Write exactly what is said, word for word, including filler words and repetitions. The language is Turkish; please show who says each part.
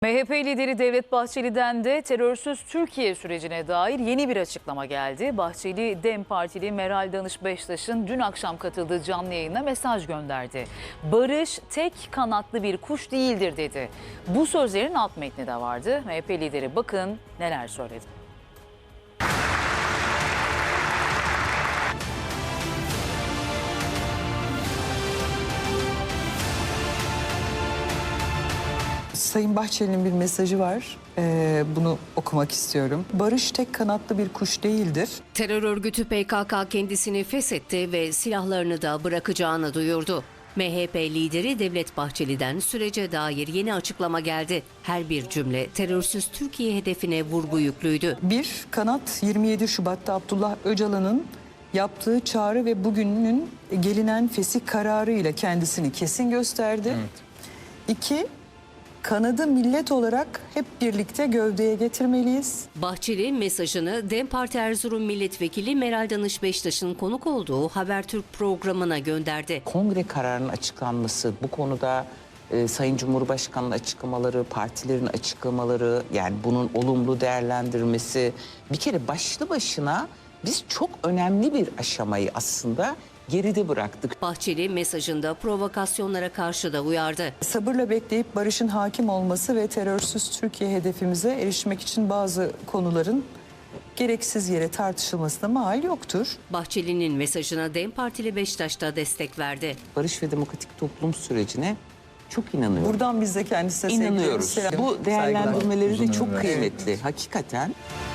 Speaker 1: M H P lideri Devlet Bahçeli'den de terörsüz Türkiye sürecine dair yeni bir açıklama geldi. Bahçeli, DEM Partili Meral Danış Beştaş'ın dün akşam katıldığı canlı yayına mesaj gönderdi. Barış tek kanatlı bir kuş değildir dedi. Bu sözlerin alt metni de vardı. M H P lideri bakın neler söyledi.
Speaker 2: Sayın Bahçeli'nin bir mesajı var. Ee, bunu okumak istiyorum. Barış tek kanatlı bir kuş değildir.
Speaker 3: Terör örgütü P K K kendisini feshetti ve silahlarını da bırakacağını duyurdu. M H P lideri Devlet Bahçeli'den sürece dair yeni açıklama geldi. Her bir cümle terörsüz Türkiye hedefine vurgu yüklüydü.
Speaker 2: Bir, kanat yirmi yedi Şubat'ta Abdullah Öcalan'ın yaptığı çağrı ve bugünün gelinen fesih kararı ile kendisini kesin gösterdi. Evet. İki, kanadı millet olarak hep birlikte gövdeye getirmeliyiz.
Speaker 3: Bahçeli mesajını DEM Parti Erzurum Milletvekili Meral Danış Beştaş'ın konuk olduğu Habertürk programına gönderdi.
Speaker 4: Kongre kararının açıklanması, bu konuda e, Sayın Cumhurbaşkanı'nın açıklamaları, partilerin açıklamaları, yani bunun olumlu değerlendirmesi, bir kere başlı başına biz çok önemli bir aşamayı aslında geride bıraktık.
Speaker 3: Bahçeli mesajında provokasyonlara karşı da uyardı.
Speaker 2: Sabırla bekleyip barışın hakim olması ve terörsüz Türkiye hedefimize erişmek için bazı konuların gereksiz yere tartışılmasına mahal yoktur.
Speaker 3: Bahçeli'nin mesajına DEM Partili Beştaş da destek verdi.
Speaker 4: Barış ve demokratik toplum sürecine çok inanıyorum.
Speaker 2: Buradan biz de kendisine
Speaker 4: inanıyoruz.
Speaker 2: Selam,
Speaker 4: Bu değerlendirmeleri de çok
Speaker 2: saygılar.
Speaker 4: kıymetli. Hakikaten.